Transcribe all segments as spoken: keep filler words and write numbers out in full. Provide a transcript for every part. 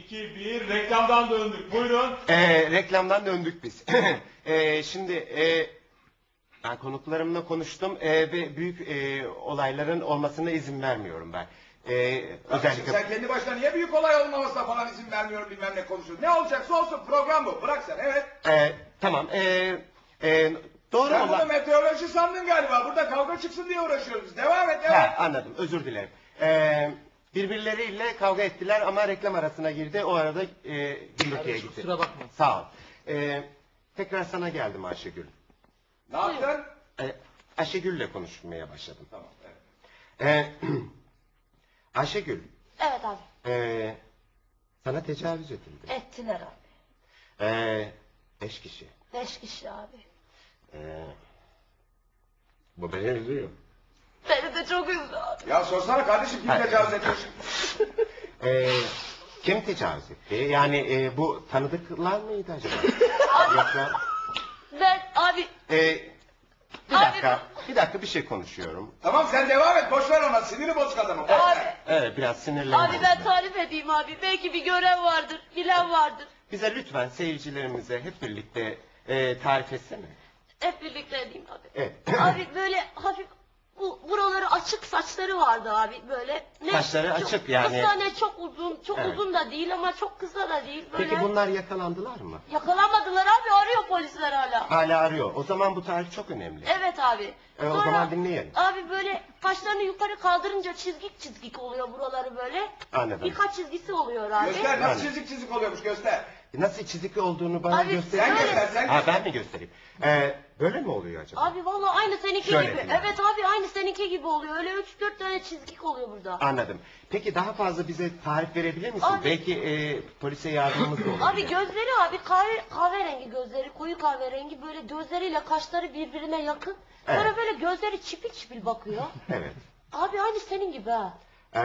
iki, bir, reklamdan döndük. Buyurun. Ee, reklamdan döndük biz. ee, şimdi e, ben konuklarımla konuştum e, ve büyük e, olayların olmasına izin vermiyorum ben. Ee, özellikle... Sen kendi başına niye büyük olay olmamasına falan izin vermiyorum bilmem ne konuşuyorsun. Ne olacaksa olsun, program bu. Bırak sen, evet. Ee, tamam. E, e, doğru Sen olan... bunu meteoroloji sandın galiba. Burada kavga çıksın diye uğraşıyoruz. Devam et, evet. Ha, anladım, özür dilerim. Ee, birbirleriyle kavga ettiler ama reklam arasına girdi. O arada e, gümrükeye gitti. kusura bakma. Sağ ol. Ee, tekrar sana geldim Ayşegül. Ne yaptın? Ee, Ayşegül'le konuşmaya başladım. Tamam, evet. Ee, Ayşegül, Evet abi. ee, sana tecavüz edildi. Ettiler abi. Ee, beş kişi. Beş kişi abi. Ee, bu beni üzüyor. Beni de çok üzdü abi. Ya sorsana kardeşim kim Hayır. tecavüz etmiş? Ee, kim tecavüz etti? Yani e, bu tanıdıklar mıydı acaba? Yoksa... Ben abi Ee, bir Abi- dakika, bir dakika bir şey konuşuyorum. Tamam sen devam et, boş ver ona. Siniri bozuk adamı. boş Abi. ver. Evet, biraz sinirlendim. abi ben tarif edeyim abi. Belki bir gören vardır, bilen vardır. Bize lütfen seyircilerimize hep birlikte e, tarif etsene. Hep birlikte edeyim abi. Evet. Abi böyle hafif bu buraları açık saçları vardı abi böyle. Ne, Saçları çok açık yani. Kısa ne çok uzun, çok Evet. uzun da değil ama çok kısa da değil. Böyle. Peki bunlar yakalandılar mı? Yakalanmadılar abi, arıyor polisler hala. Hala arıyor. O zaman bu tarih çok önemli. Evet abi. E, o zaman dinleyelim. Abi böyle kaşlarını yukarı kaldırınca çizgik çizgik oluyor buraları böyle. Anladım. Birkaç çizgisi oluyor abi. Göster, nasıl Yani. çizik çizik oluyormuş, göster. Nasıl çizikli olduğunu bana Abi, göster. Sen Böyle- göster, sen Ha, göster. ben mi göstereyim? Ee, böyle mi oluyor acaba? Abi vallahi aynı seninki Şöyle gibi. diyeyim. Evet abi aynı seninki gibi oluyor. Öyle üç dört tane çizgik oluyor burada. Anladım. Peki daha fazla bize tarif verebilir misin? Abi- Belki e, polise yardımımız da olur. Abi gözleri abi kahve, kahverengi gözleri, koyu kahverengi, böyle gözleriyle kaşları birbirine yakın. Sonra Evet. böyle gözleri çipil çipil bakıyor. Evet. Abi aynı senin gibi ha. Ee,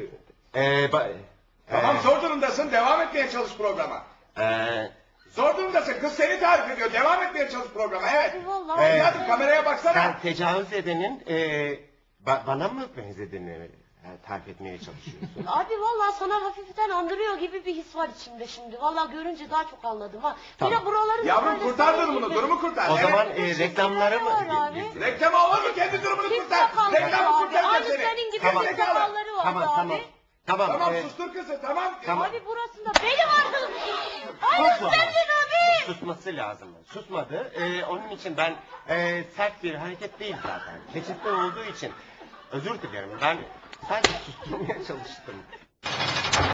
e, ba- Tamam e, zor durumdasın, devam etmeye çalış programa. e, Zor durumdasın, kız seni tarif ediyor. Devam etmeye çalış programa, evet. Abi vallahi. Evet. Hadi kameraya baksana. Sen tecavüz edenin e, ba- bana mı benzediğini e, tarif etmeye çalışıyorsun? Abi vallahi sana hafiften andırıyor gibi bir his var içimde şimdi. Vallahi görünce daha çok anladım ha. Tamam. Bir de buraları da Yavrum böyle kurtar senin durumunu, gibi. durumu kurtar. O Evet. zaman e, reklamları mı? Var abi. Reklam olur mu? Kendi durumunu Çift kurtar. sakalları Reklamı abi. kurtaracak Aynı seni. senin gibi Tamam. çift sakalları vardı Tamam abi. tamam. Tamam. Tamam e, sustur kızı, tamam. Tamam. Abi burasında beni vardı. Aynı susma. senin abi. Susması lazım. Susmadı. E, onun için ben e, sert bir hareket değil zaten. Keçitli olduğu için özür dilerim. Ben sadece susturmaya çalıştım.